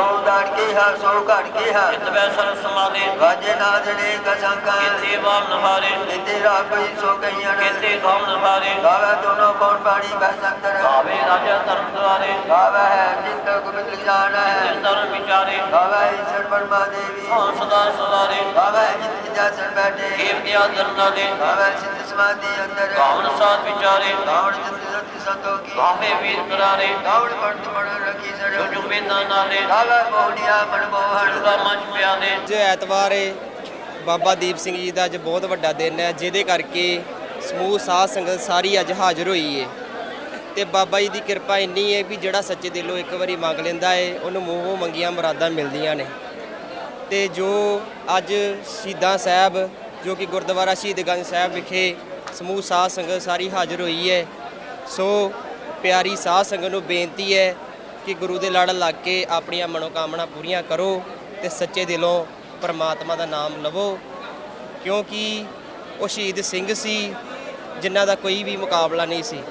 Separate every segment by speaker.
Speaker 1: ਸੋ ਦਰ ਕੀਹਾ ਸੋ ਘਟ ਕੀਹਾ
Speaker 2: ਚਿਤ ਵੈ ਸਰਬ ਸਮਾਦੇ
Speaker 1: ਵਾਜੇ ਨਾਦੜੇ ਕਸੰਕਾ
Speaker 2: ਕੀਤੇ ਵਾਮ ਨਹਾਰੇ
Speaker 1: ਕੀਤੇ ਰਾਪਈ ਸੋ ਕਈਆਂ
Speaker 2: ਕੀਤੇ ਗਾਮ ਨਹਾਰੇ
Speaker 1: ਗਾਵੇ ਦੋਨੋਂ ਕੌਣ ਪਾਣੀ ਬੈ ਸੰਤਰ
Speaker 2: ਗਾਵੇ ਰਾਜਾ ਧਰਮ ਦੁਆਰੇ
Speaker 1: ਗਾਵੇ ਹੈ ਜਿਤ ਗੁਪਤ ਜਾਣਾ ਹੈ
Speaker 2: ਜਿਸ ਧਰਮ ਵਿਚਾਰੇ
Speaker 1: ਗਾਵੇ ਈਸ਼ਰ ਪਰਮਾ ਦੇਵੀ
Speaker 2: ਹਾਂ ਸਦਾ ਸਵਾਰੇ
Speaker 1: ਗਾਵੇ ਜਿਤ ਜਾਸਨ ਬੈਠੇ
Speaker 2: ਕੇਵ ਦਿਆ ਦਰਨਾ ਦੇ
Speaker 1: ਗਾਵੇ ਸਿੱਧ ਸਮਾਧੀ ਅੰਦਰ
Speaker 2: ਗਾਵਨ ਸਾਧ ਵਿਚਾਰੇ
Speaker 1: ਗਾਵਣ ਜਿਤ ਸਤਿ ਸੰਤੋਖੀ
Speaker 2: ਗਾਵੇ ਵੀਰ ਕਰਾਰੇ
Speaker 1: ਗਾਵਣ ਪੰਤ ਮਣ ਰਖੀ ਸਰ
Speaker 2: ਜੋ ਜੋ ਵੇਦਾਂ ਨਾਲੇ
Speaker 1: ਗਾਵੇ ਮੋਹਨੀਆ ਮਨਮੋਹਨ
Speaker 2: ਦੁਰਗਾ ਮੰਚ ਪਿਆਦੇ
Speaker 3: ਅੱਜ ਐਤਵਾਰ ਹੈ, ਬਾਬਾ ਦੀਪ ਸਿੰਘ ਜੀ ਦਾ ਅੱਜ ਬਹੁਤ ਵੱਡਾ ਦਿਨ ਹੈ, ਜਿਹਦੇ ਕਰਕੇ ਸਮੂਹ ਸਾਧ ਸੰਗਤ ਸਾਰੀ ਅੱਜ ਹਾਜ਼ਰ ਹੋਈ ਹੈ ਤੇ ਬਾਬਾ ਜੀ ਦੀ ਕਿਰਪਾ ਇੰਨੀ ਹੈ ਵੀ ਜਿਹੜਾ ਸੱਚੇ ਦਿਲੋਂ ਇੱਕ ਵਾਰੀ ਮੰਗ ਲੈਂਦਾ ਹੈ ਉਹਨੂੰ ਮੂੰਹੋਂ ਮੰਗੀਆਂ ਮੁਰਾਦਾਂ ਮਿਲਦੀਆਂ ਨੇ। ਤੇ ਜੋ ਅੱਜ ਸ਼ਹੀਦਾਂ ਸਾਹਿਬ ਜੋ ਕਿ ਗੁਰਦੁਆਰਾ ਸ਼ਹੀਦਗੰਜ ਸਾਹਿਬ ਵਿਖੇ ਸਮੂਹ ਸਾਧ ਸੰਗਤ ਸਾਰੀ ਹਾਜ਼ਰ ਹੋਈ ਹੈ, ਸੋ ਪਿਆਰੀ ਸਾਧ ਸੰਗਤ ਨੂੰ ਬੇਨਤੀ ਹੈ ਕਿ ਗੁਰੂ ਦੇ ਲੜ ਲੱਗ ਕੇ ਆਪਣੀਆਂ ਮਨੋਕਾਮਨਾ ਪੂਰੀਆਂ ਕਰੋ ਤੇ ਸੱਚੇ ਦਿਲੋਂ ਪਰਮਾਤਮਾ ਦਾ ਨਾਮ ਲਵੋ, ਕਿਉਂਕਿ ਉਹ ਸ਼ਹੀਦ ਸਿੰਘ ਸੀ ਜਿਨ੍ਹਾਂ ਦਾ ਕੋਈ ਵੀ ਮੁਕਾਬਲਾ ਨਹੀਂ ਸੀ।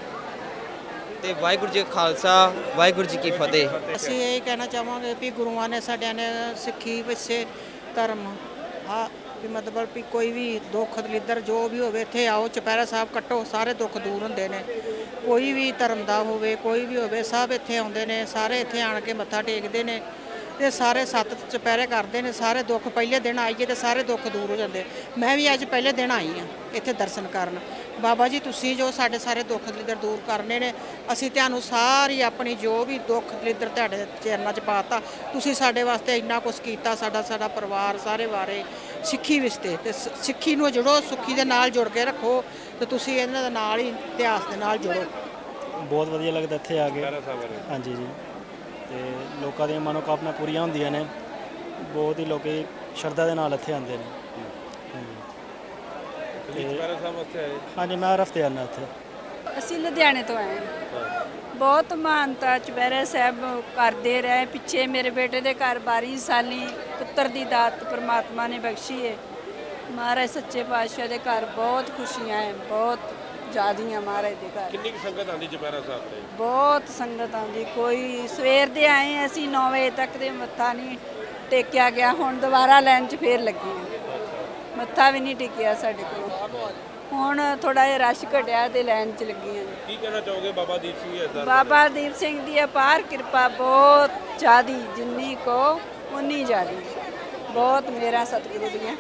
Speaker 3: ਤੇ ਵਾਹਿਗੁਰੂ ਜੀ ਕਾ ਖਾਲਸਾ, ਵਾਹਿਗੁਰੂ ਜੀ ਕੀ ਫਤਿਹ।
Speaker 4: ਅਸੀਂ ਇਹ ਕਹਿਣਾ ਚਾਹਾਂਗੇ ਵੀ ਗੁਰੂਆਂ ਨੇ ਸਾਡਿਆਂ ਨੇ ਸਿੱਖੀ ਵਿਸੇ ਧਰਮ ਵੀ ਮਤਲਬ ਵੀ ਕੋਈ ਵੀ ਦੁੱਖ ਦਲਿੱਦਰ ਜੋ ਵੀ ਹੋਵੇ ਇੱਥੇ ਆਓ, ਚੁਪਹਿਰਾ ਸਾਹਿਬ ਕੱਟੋ, ਸਾਰੇ ਦੁੱਖ ਦੂਰ ਹੁੰਦੇ ਨੇ। ਕੋਈ ਵੀ ਧਰਮ ਦਾ ਹੋਵੇ ਕੋਈ ਵੀ ਹੋਵੇ ਸਭ ਇੱਥੇ ਆਉਂਦੇ ਨੇ, ਸਾਰੇ ਇੱਥੇ ਆਣ ਕੇ ਮੱਥਾ ਟੇਕਦੇ ਨੇ ਤੇ ਸਾਰੇ 7 ਚੁਪਹਿਰੇ ਕਰਦੇ ਨੇ। ਸਾਰੇ ਦੁੱਖ ਪਹਿਲੇ ਦਿਨ ਆਈਏ ਤੇ ਸਾਰੇ ਦੁੱਖ ਦੂਰ ਹੋ ਜਾਂਦੇ। ਮੈਂ ਵੀ ਅੱਜ ਪਹਿਲੇ ਦਿਨ ਆਈ ਹਾਂ ਇੱਥੇ ਦਰਸ਼ਨ ਕਰਨ। ਬਾਬਾ ਜੀ ਤੁਸੀਂ ਜੋ ਸਾਡੇ ਸਾਰੇ ਦੁੱਖ ਦਲਿੱਦਰ ਦੂਰ ਕਰਨੇ ਨੇ, ਅਸੀਂ ਤੁਹਾਨੂੰ ਸਾਰੀ ਆਪਣੀ ਜੋ ਵੀ ਦੁੱਖ ਦਲਿੱਦਰ ਤੁਹਾਡੇ ਚਰਨਾਂ 'ਚ ਪਾਤਾ। ਤੁਸੀਂ ਸਾਡੇ ਵਾਸਤੇ ਇੰਨਾ ਕੁਛ ਕੀਤਾ, ਸਾਡਾ ਪਰਿਵਾਰ ਸਾਰੇ ਬਾਰੇ ਸਿੱਖੀ ਵਿਸਤੇ ਤੇ ਸਿੱਖੀ ਨੂੰ ਜੁੜੋ, ਸੁੱਖੀ ਦੇ ਨਾਲ ਜੁੜ ਕੇ ਰੱਖੋ ਤੇ ਤੁਸੀਂ ਇਹਨਾਂ ਦੇ ਨਾਲ ਹੀ ਇਤਿਹਾਸ ਦੇ ਨਾਲ ਜੁੜੋ।
Speaker 5: ਬਹੁਤ ਵਧੀਆ ਲੱਗਦਾ ਇੱਥੇ ਆ ਕੇ। ਹਾਂਜੀ ਜੀ, ਤੇ ਲੋਕਾਂ ਦੀਆਂ ਮਨੋਕਾਮਨਾ ਪੂਰੀਆਂ ਹੁੰਦੀਆਂ ਨੇ। ਬਹੁਤ ਹੀ ਲੋਕੀ ਸ਼ਰਧਾ ਦੇ ਨਾਲ ਇੱਥੇ ਆਉਂਦੇ ਨੇ। ਹਾਂਜੀ, ਮੈਂ ਹਰ ਹਫ਼ਤੇ ਆਉਂਦਾ ਇੱਥੇ।
Speaker 6: ਅਸੀਂ ਲੁਧਿਆਣੇ ਤੋਂ ਆਏ ਹਾਂ। ਬਹੁਤ ਮਾਨਤਾ ਚੁਪਹਿਰਾ ਸਾਹਿਬ ਕਰਦੇ ਰਹੇ। ਪਿੱਛੇ ਮੇਰੇ ਬੇਟੇ ਦੇ ਘਰ 12 ਸਾਲੀ ਪੁੱਤਰ ਦੀ ਦਾਤ ਪਰਮਾਤਮਾ ਨੇ ਬਖਸ਼ੀ ਹੈ। ਮਹਾਰਾਜ ਸੱਚੇ ਪਾਤਸ਼ਾਹ ਦੇ ਘਰ ਬਹੁਤ ਖੁਸ਼ੀਆਂ ਹੈ, ਬਹੁਤ ਜ਼ਿਆਦੀਆਂ ਮਹਾਰਾਜ ਦੇ ਘਰ।
Speaker 7: ਕਿੰਨੀ ਸੰਗਤ ਆਉਂਦੀ ਚੁਪਹਿਰਾ ਸਾਹਿਬ ਤੇ?
Speaker 6: ਬਹੁਤ ਸੰਗਤ ਆਉਂਦੀ। ਕੋਈ ਸਵੇਰ ਦੇ ਆਏ ਅਸੀਂ 9 ਵਜੇ ਤੱਕ ਦੇ ਮੱਥਾ ਨਹੀਂ ਟੇਕਿਆ ਗਿਆ। ਹੁਣ ਦੁਬਾਰਾ ਲਾਈਨ 'ਚ ਫੇਰ ਲੱਗੀ ਹਾਂ, ਮੱਥਾ ਵੀ ਨਹੀਂ ਟੇਕਿਆ ਸਾਡੇ ਕੋਲ। ਹੁਣ ਥੋੜਾ ਜਿਹਾ ਰਸ਼ ਘਟਿਆ ਤੇ ਲਾਈਨ 'ਚ ਲੱਗੀ ਹਾਂ।
Speaker 7: ਕੀ ਕਹਿਣਾ ਚਾਹੋਗੇ ਬਾਬਾ ਦੀਪ ਸਿੰਘ ਜੀ ਦਾ?
Speaker 6: ਬਾਬਾ ਦੀਪ ਸਿੰਘ ਦੀ ਅਪਾਰ ਕਿਰਪਾ ਬਹੁਤ ਜ਼ਿਆਦੀ, ਜਿੰਨੀ ਕੋ ਉਨੀ ਜ਼ਿਆਦੀ। ਬਹੁਤ ਮੇਰਾ ਸਤਿਗੁਰੂ ਦੀਆਂ